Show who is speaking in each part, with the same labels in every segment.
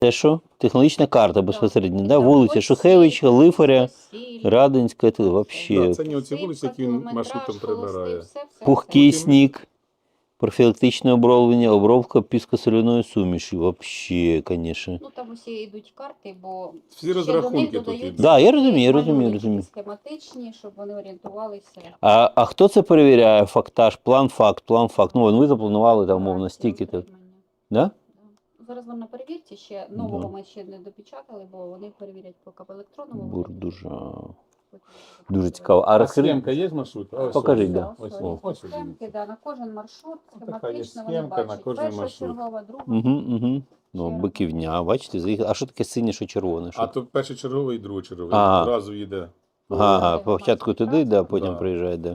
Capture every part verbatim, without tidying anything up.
Speaker 1: Це що? Технологічна карта безпосередньо,
Speaker 2: Так,
Speaker 1: да?
Speaker 2: так,
Speaker 1: Вулиця
Speaker 2: ось
Speaker 1: Шухевича,
Speaker 2: сіль,
Speaker 1: Лифаря,
Speaker 2: сіль,
Speaker 1: Радинська, це взагалі.
Speaker 3: Да, це не оці вулиці, які він
Speaker 2: кілометраж,
Speaker 3: маршрутом
Speaker 2: холостий,
Speaker 3: прибирає.
Speaker 2: все, все,
Speaker 1: Пухкий
Speaker 3: От і ми-
Speaker 1: сніг, профілактичне оброблення, обробка піскосоляною суміші. Взагалі, звісно.
Speaker 2: Ну там усі йдуть карти, бо
Speaker 3: Всі
Speaker 2: ще
Speaker 3: розрахунки
Speaker 2: до них
Speaker 3: тут
Speaker 2: додаються
Speaker 3: йдуть.
Speaker 1: Да, я розумію, я розумію,
Speaker 2: малюнки
Speaker 1: розумію.
Speaker 2: схематичні, щоб вони орієнтувалися.
Speaker 1: А, а хто це перевіряє? Фактаж, план, факт, план, факт. Ну, ви запланували там, умовно,
Speaker 2: Операції
Speaker 1: стільки. то
Speaker 2: утримання.
Speaker 1: Да?
Speaker 2: Да. Зараз вам на перевірці ще нового
Speaker 1: Да.
Speaker 2: ми ще не допечатали, бо вони перевірять поки в електронному.
Speaker 1: Бурдужа.
Speaker 2: Потім
Speaker 1: Дуже цікаво. А
Speaker 3: А
Speaker 1: розкажи.
Speaker 3: схемка є маршрут? Ось
Speaker 1: Покажіть,
Speaker 3: ось.
Speaker 1: да.
Speaker 3: Ось,
Speaker 2: Ось,
Speaker 3: ось, ось,
Speaker 2: схемки, да, на кожен маршрут
Speaker 3: така є
Speaker 2: схематично вони
Speaker 3: схемка на
Speaker 2: бачать.
Speaker 3: кожен
Speaker 2: Перша
Speaker 3: маршрут.
Speaker 2: чергова, друга.
Speaker 1: Угу, угу. Ну,
Speaker 2: Черга.
Speaker 1: биківня, бачите, заїхали. А що таке синє, що червоне? Що?
Speaker 3: А то першочерговий і другочерговий.
Speaker 1: Ага.
Speaker 3: Одразу їде.
Speaker 1: Ага, ага,
Speaker 2: Громадський
Speaker 1: спочатку туди, да,
Speaker 2: транспорт.
Speaker 1: потім
Speaker 3: Да.
Speaker 1: приїжджає, да.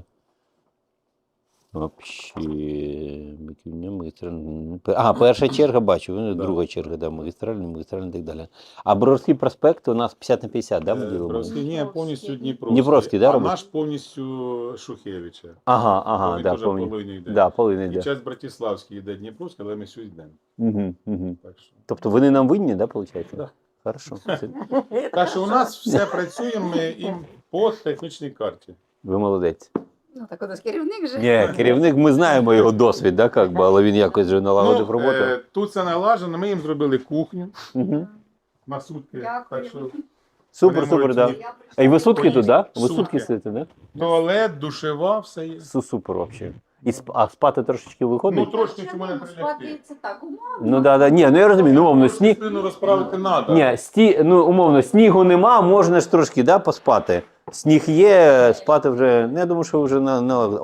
Speaker 1: Вообще, биківня, магістральна. Ага, перша черга бачу, ну,
Speaker 3: Да.
Speaker 1: друга черга, да, магістральна, магістральна і так далі. А Броварський проспект у нас п'ятдесят на п'ятдесят, да, ми
Speaker 3: Е,
Speaker 1: ділимо?
Speaker 3: Бровський, ні, повністю Дніпровський.
Speaker 1: Дніпровський, да,
Speaker 3: а
Speaker 1: робить?
Speaker 3: наш повністю Шухевича.
Speaker 1: Ага, ага,
Speaker 3: Він
Speaker 1: да,
Speaker 3: теж
Speaker 1: повинен.
Speaker 3: половиною йде.
Speaker 1: Да, повинен
Speaker 3: І
Speaker 1: йде.
Speaker 3: час Братиславський йде Дніпровський, але ми сюди йдемо.
Speaker 1: Угу, угу.
Speaker 3: Так що,
Speaker 1: Тобто вони нам винні, да, виходить?
Speaker 3: Да.
Speaker 1: Хорошо. Це-
Speaker 3: так що у нас все працює ми і по технічній карті.
Speaker 1: Ви молодець.
Speaker 2: Ну так у нас керівник же.
Speaker 1: Ні, керівник, ми знаємо його досвід, да, как би, але він якось вже налагодив роботу.
Speaker 3: е, тут це налажено, ми їм зробили кухню
Speaker 1: Угу.
Speaker 3: на сутки.
Speaker 2: Дякую.
Speaker 3: Так що
Speaker 1: Супер,
Speaker 3: Вони
Speaker 1: супер,
Speaker 3: можуть
Speaker 1: да.
Speaker 3: їх-
Speaker 2: Я
Speaker 1: А і ви сутки тут, да? Ви
Speaker 3: Сутки.
Speaker 1: сутки сидите, да?
Speaker 3: туалет, душева, все є.
Speaker 1: Су- Супер вообще. І сп... А спати трошечки виходить?
Speaker 3: Ну, трошки
Speaker 2: Чому?
Speaker 3: чому не
Speaker 2: Спати
Speaker 3: прилягти.
Speaker 2: це так умовно.
Speaker 1: Ну да, да. Ні, ну я розумію, ну умовно, сніг.
Speaker 3: Спину розправити треба.
Speaker 1: Ні, сті... ну умовно, снігу нема, можна ж трошки, да, поспати. Сніг є, спати вже. Ну, я думаю, що вже на, на